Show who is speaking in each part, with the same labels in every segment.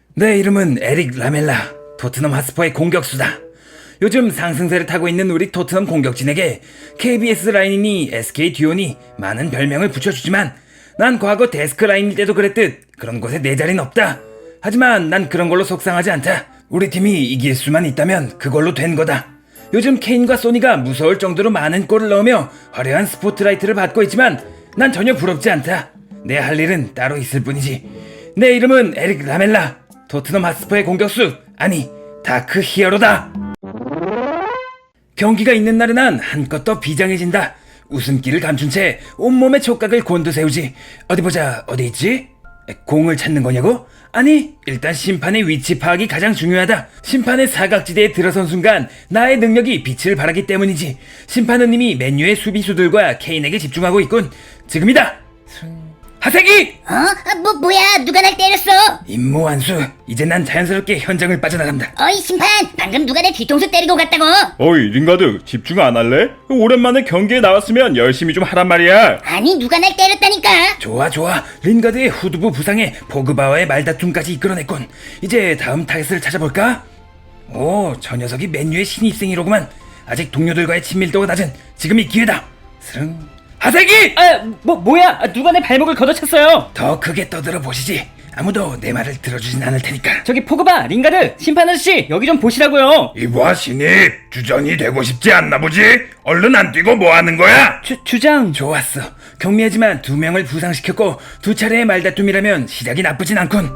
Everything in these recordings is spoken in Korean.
Speaker 1: 내 이름은 에릭 라멜라, 토트넘 핫스퍼의 공격수다. 요즘 상승세를 타고 있는 우리 토트넘 공격진에게 KBS 라인이니 SK 듀오니 많은 별명을 붙여주지만 난 과거 데스크 라인일 때도 그랬듯 그런 곳에 내 자리는 없다. 하지만 난 그런 걸로 속상하지 않다. 우리 팀이 이길 수만 있다면 그걸로 된 거다. 요즘 케인과 소니가 무서울 정도로 많은 골을 넣으며 화려한 스포트라이트를 받고 있지만 난 전혀 부럽지 않다. 내 할 일은 따로 있을 뿐이지. 내 이름은 에릭 라멜라, 토트넘 핫스퍼의 공격수, 아니 다크 히어로다. 경기가 있는 날은 난 한껏 더 비장해진다. 웃음기를 감춘 채 온몸의 촉각을 곤두세우지. 어디 보자, 어디 있지? 공을 찾는 거냐고? 아니, 일단 심판의 위치 파악이 가장 중요하다. 심판의 사각지대에 들어선 순간 나의 능력이 빛을 발하기 때문이지. 심판은 이미 맨유의 수비수들과 케인에게 집중하고 있군. 지금이다! 하세기!
Speaker 2: 뭐야, 누가 날 때렸어?
Speaker 1: 임무완수. 이제 난 자연스럽게 현장을 빠져나간다.
Speaker 2: 어이, 심판, 방금 누가 내 뒤통수 때리고 갔다고?
Speaker 3: 어이 링가드 집중 안 할래? 오랜만에 경기에 나왔으면 열심히 좀 하란 말이야.
Speaker 2: 아니, 누가 날 때렸다니까?
Speaker 1: 좋아. 린가드의 후두부 부상에 포그바와의 말다툼까지 이끌어냈군. 이제 다음 타겟을 찾아볼까? 오, 저 녀석이 맨유의 신입생이로구만. 아직 동료들과의 친밀도가 낮은 지금이 기회다. 스릉. 하세기!
Speaker 4: 뭐야? 누가 내 발목을 걷어찼어요?
Speaker 1: 더 크게 떠들어 보시지. 아무도 내 말을 들어주진 않을 테니까.
Speaker 4: 저기 포그바, 링가드, 심판 아저씨, 여기 좀 보시라고요.
Speaker 3: 이봐 신입, 주전이 되고 싶지 않나 보지? 얼른 안 뛰고 뭐 하는 거야?
Speaker 4: 주장.
Speaker 1: 좋았어. 경미하지만 2명을 부상시켰고 2차례의 말다툼이라면 시작이 나쁘진 않군.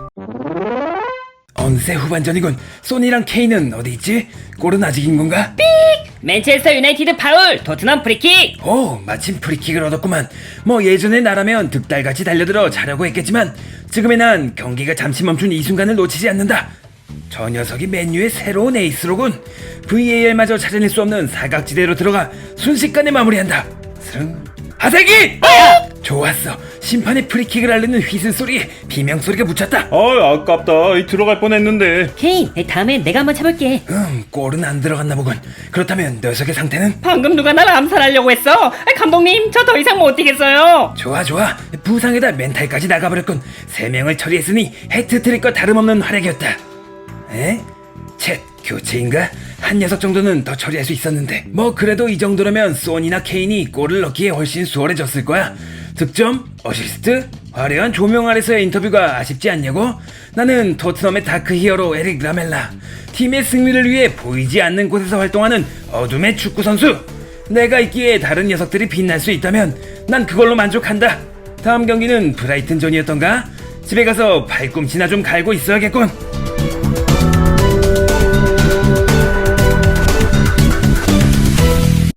Speaker 1: 어느새 후반전이군. 소니랑 케인은 어디 있지? 골은 아직인 건가?
Speaker 4: 맨체스터 유나이티드 파울, 토트넘 프리킥.
Speaker 1: 오, 마침 프리킥을 얻었구만. 뭐 예전에 나라면 득달같이 달려들어 자려고 했겠지만 지금의 난 경기가 잠시 멈춘 이 순간을 놓치지 않는다. 저 녀석이 맨유의 새로운 에이스로군. VAR마저 찾아낼 수 없는 사각지대로 들어가 순식간에 마무리한다. 스릉. 하세기! 좋았어. 심판의 프리킥을 알리는 휘슬 소리에 비명소리가 묻혔다.
Speaker 3: 아깝다. 들어갈 뻔했는데.
Speaker 4: 케인, 다음엔 내가 한번 차볼게.
Speaker 1: 골은 안 들어갔나 보군. 그렇다면 녀석의 상태는?
Speaker 4: 방금 누가 날 암살하려고 했어? 감독님, 저 더 이상 못 뛰겠어요.
Speaker 1: 좋아. 부상에다 멘탈까지 나가버렸군. 3명을 처리했으니 해트트릭과 다름없는 활약이었다. 에? 쳇, 교체인가? 한 녀석 정도는 더 처리할 수 있었는데 뭐 그래도 이 정도라면 소니나 케인이 골을 넣기에 훨씬 수월해졌을 거야. 득점? 어시스트? 화려한 조명 아래서의 인터뷰가 아쉽지 않냐고? 나는 토트넘의 다크 히어로 에릭 라멜라, 팀의 승리를 위해 보이지 않는 곳에서 활동하는 어둠의 축구 선수. 내가 있기에 다른 녀석들이 빛날 수 있다면 난 그걸로 만족한다. 다음 경기는 브라이튼전이었던가? 집에 가서 발꿈치나 좀 갈고 있어야겠군.